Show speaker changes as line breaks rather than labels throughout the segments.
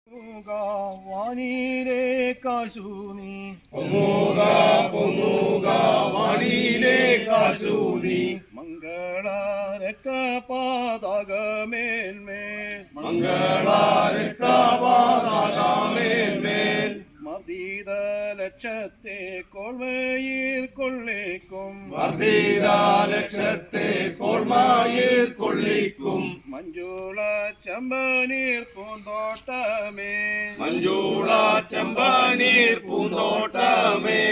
വാനിലേക്കാശു നീ
വാനിലേക്കാശു നീ
മംഗളരക്തപാതകമേന്മേൽ
മംഗളരക്തപാതകമേന്മേൽ
മർദ്ദിത ലക്ഷത്തെ കോൾമയിൽ കൊള്ളിക്കും
മർദ്ദിത ലക്ഷത്തെ കോൾമയിൽ കൊള്ളിക്കും
മഞ്ജുള ചെമ്പനീർ പൂന്തോട്ടമേ
മഞ്ജുള ചെമ്പനീർ പൂന്തോട്ടമേ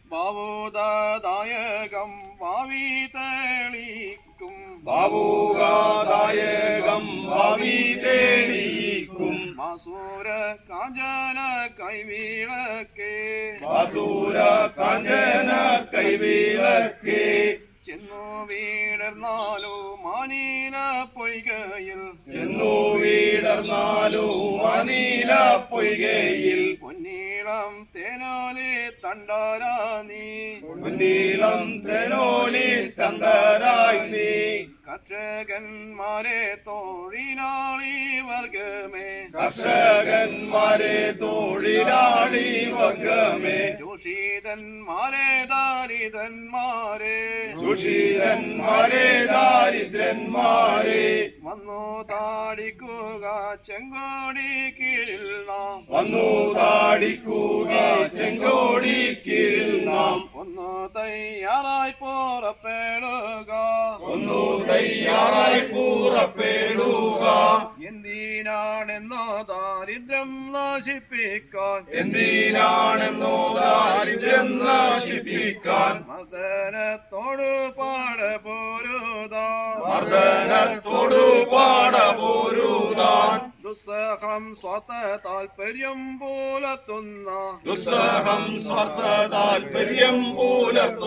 ബാവുദായകം ഭാവി തെളിക്കും
ബാവുദായകം ഭാവി തെളിയിക്കും
മസൂര കാഞ്ചന കൈവിളക്കേ
മസൂര കാഞ്ചന കൈവിളക്കേ
ചെന്നു വീടർന്നാലോ മാനീല പൊയ്കയിൽ
ചെന്നു വീടർന്നാലോ മാനീല പൊയ്കയിൽ
പൊന്നീളം തേനാലി തണ്ടാരാ നീ
പൊന്നീളം തേനോലി തണ്ടരായി നീ
കർഷകന്മാരെ തൊഴിലാളി വർഗമേ
കർഷകന്മാരെ തൊഴിലാളി വർഗമേ
ജോഷിതന്മാരെ ദാരിദ്രന്മാരെ
സുഷീരന്മാരെ ദാരിദ്രന്മാരെ
വന്നു താടിക്കുക ചെങ്കോടി കീഴിൽ നാം
വന്നു താടിക്കുക ചെങ്കോടി കീഴിൽ നാം
ഒന്ന് തയ്യാറായി പുറപ്പെടുക
ഒന്നു തയ്യാറായി പുറപ്പെടുക
എന്തിനാണെന്നോ ദാരിദ്ര്യം നശിപ്പിക്കാൻ
എന്തിനാണെന്നോ ദാരിദ്ര്യം നശിപ്പിക്കാൻ
മദനത്തോട് പാടപോരുതാൻ
മർദ്ദനത്തോടു പാടപോരുതാൻ
ദുസ്സഹം സ്വത താൽപര്യം പുലർത്തുന്ന
ദുസ്സഹം സ്വാർത്ഥ താൽപര്യം പുലർത്തും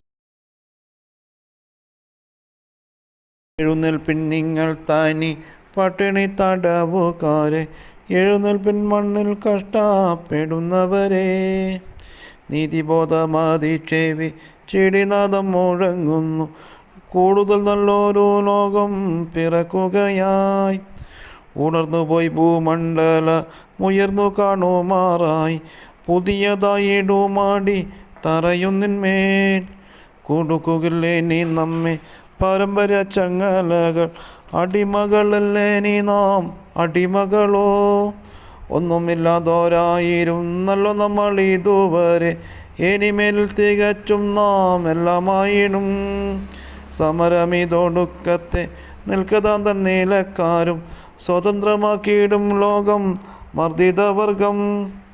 എഴുന്നേൽപ്പിൻ നിങ്ങൾ തനി പട്ടിണി തടവുകാരെ എഴുന്നേൽപ്പിൻ മണ്ണിൽ കഷ്ടപ്പെടുന്നവരെ നീതിബോധമാതി ചെവി ചെടിനാദം മുഴങ്ങുന്നു കൂടുതൽ നല്ലൊരു ലോകം പിറക്കുകയായി ഉണർന്നുപോയി ഭൂമണ്ഡല ഉയർന്നു കാണുമാറായി പുതിയതായിടുമാടി തറയുന്നിന്മേൽ കൊടുക്കുകില്ലേ നീ നമ്മെ പാരമ്പര്യ ചങ്ങലകൾ അടിമകളല്ലേ നീ നാം അടിമകളോ ഒന്നുമില്ലാതോരായിരുന്നല്ലോ നമ്മൾ ഇതുവരെ ഇനിമേൽ തികച്ചും നാം എല്ലാമായിടും സമരമിതൊടുക്കത്തെ നിൽക്കതാൻ തന്നീലക്കാരും സ്വതന്ത്രമാക്കിയിടും ലോകം മർദ്ദിതവർഗം